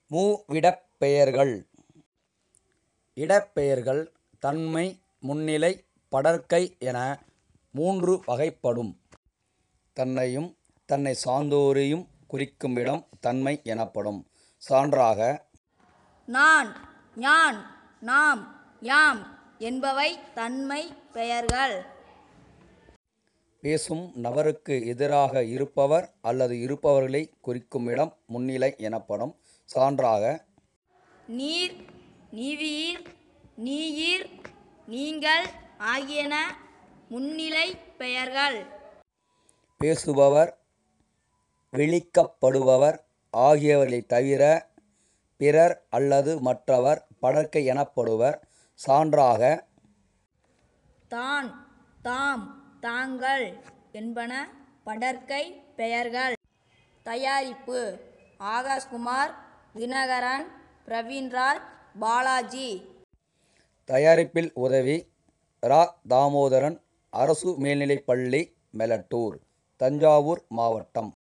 மூவிடப்பெயர்கள். இடப்பெயர்கள் தன்மை, முன்னிலை, படர்க்கை என 3 வகைப்படும். தன்னையும் தன்னைச் சார்ந்தோரையும் குறிக்குமிடம் தன்மை எனப்படும். சான்றாக, நான், யான், நாம், யாம் என்பவை தன்மை பெயர்கள். பேசும் நபருக்கு எதிராக இருப்பவர் அல்லது இருப்பவர்களை குறிக்குமிடம் முன்னிலை எனப்படும். சான்றாக, நீர், நீவிர், நீயிர், நீங்கள் ஆகியன முன்னிலை பெயர்கள். பேசுபவர், விளிக்கப்படுபவர் ஆகியவர்களைத் தவிர பிறர் அல்லது மற்றவர் படர்க்கை எனப்படுவர். சான்றாக, தான், தாம், தாங்கள் என்பன படர்க்கை பெயர்கள். தயாரிப்பு: ஆகாஷ்குமார், தினகரன், பிரவீன்ராஜ், பாலாஜி. தயாரிப்பில் உதவி: ரா. தாமோதரன், அரசு மேல்நிலைப்பள்ளி, மெலட்டூர், தஞ்சாவூர் மாவட்டம்.